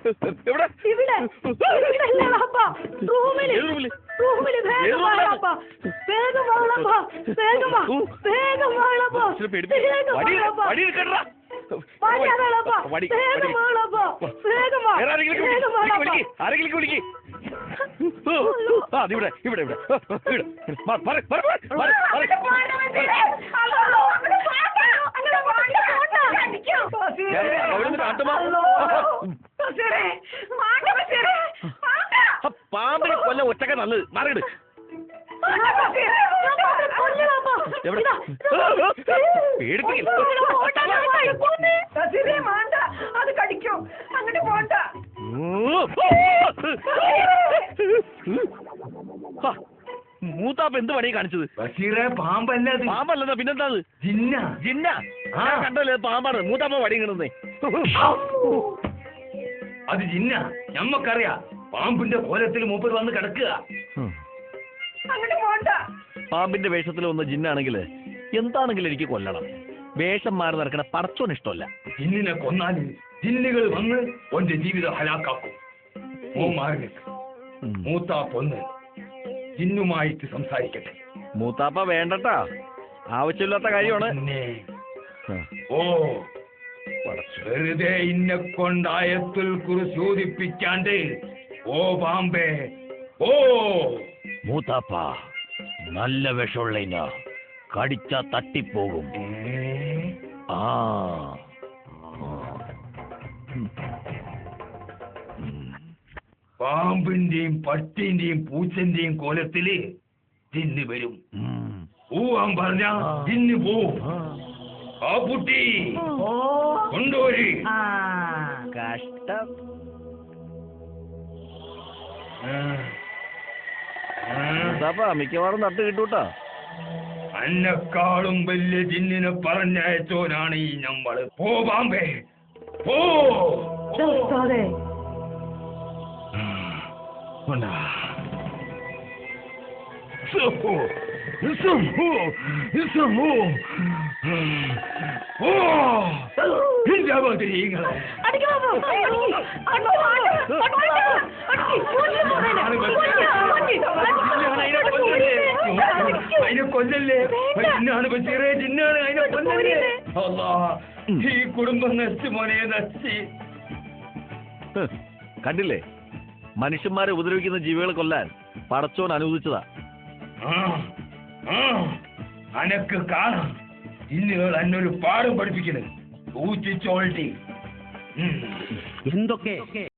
എവിടെ? ആരെങ്കിലും വിളിക്ക്. ഇവിടെ ഇവിടെ ഇവിടെ പാമ്പിനെ കൊല്ലം ഒറ്റക്ക നല്ലത്. മാറിയിട്. മൂത്താപ്പ എന്ത് പണിയെ കാണിച്ചത്? പാമ്പല്ലതാ പിന്നെന്താ? ജിന്ന. കണ്ടല്ലേ പാമ്പാണ്. മൂത്താപ്പ വടി കിടന്നേ. അത് ജിന്ന. ഞമ്മക്കറിയാ പാമ്പിന്റെ കോലത്തിൽ മൂപ്പർ വന്ന് കിടക്കുക. പാമ്പിന്റെ വേഷത്തിൽ വന്ന ജിന്നാണെങ്കിൽ എന്താണെങ്കിലും എനിക്ക് കൊല്ലണം. വേഷം മാറി നടക്കണ പടച്ചോന് ഇഷ്ടമല്ല. ജിന്നിനെ കൊന്നാല് ജിന്നുകൾ വന്ന് ഒന്റെ ജീവിതം ഹലാക്കാക്കും. മൂത്താപ്പൊന്ന് ജിന്നുമായിട്ട് സംസാരിക്കട്ടെ. മൂത്താപ്പ വേണ്ടട്ടാ, ആവശ്യമില്ലാത്ത കാര്യമാണ്. ഓ വെറുതെ ഇന്നെ കൊണ്ടായത്തിൽ കുറിച്ച് ചോദിപ്പിക്കാണ്ട് ഓ പാമ്പേ ഓ. മൂത്താപ്പ നല്ല വിഷമുള്ള കടിച്ച തട്ടിപ്പോകും. പാമ്പിന്റെയും പട്ടിന്റെയും പൂച്ചന്റെയും കോലത്തില് ജിന്ന് വരും. പോവാൻ പറഞ്ഞ ജിന്ന് പോവും. ആ കുട്ടി കൊണ്ടുപോരി. കഷ്ടം. മിക്കവാറും തട്ട് കിട്ടൂട്ടാ. അന്നെക്കാളും വലിയ ജിന്നിനെ പറഞ്ഞയച്ചോനാണ് ഈ നമ്മള്. പോ പാമ്പേ പോ. അതിനെ കൊല്ലല്ലേ. ജിന്നാണ് ബഷീറേ, ജിന്നാണ്. അതിനെ കൊല്ലല്ലേ. ഈ കുടുംബം നശിച്ചു മോനെ, നശിച്ച്. കണ്ടില്ലേ, മനുഷ്യന്മാരെ ഉപദ്രവിക്കുന്ന ജീവികളെ കൊല്ലാൻ പടച്ചോൻ അനുവദിച്ചതാ. അനക്ക് കാണാം ഇന്നുകൾ എന്നൊരു പാഠം പഠിപ്പിക്കുന്നത്. ഊച്ചിച്ചോൾട്ടി എന്തൊക്കെ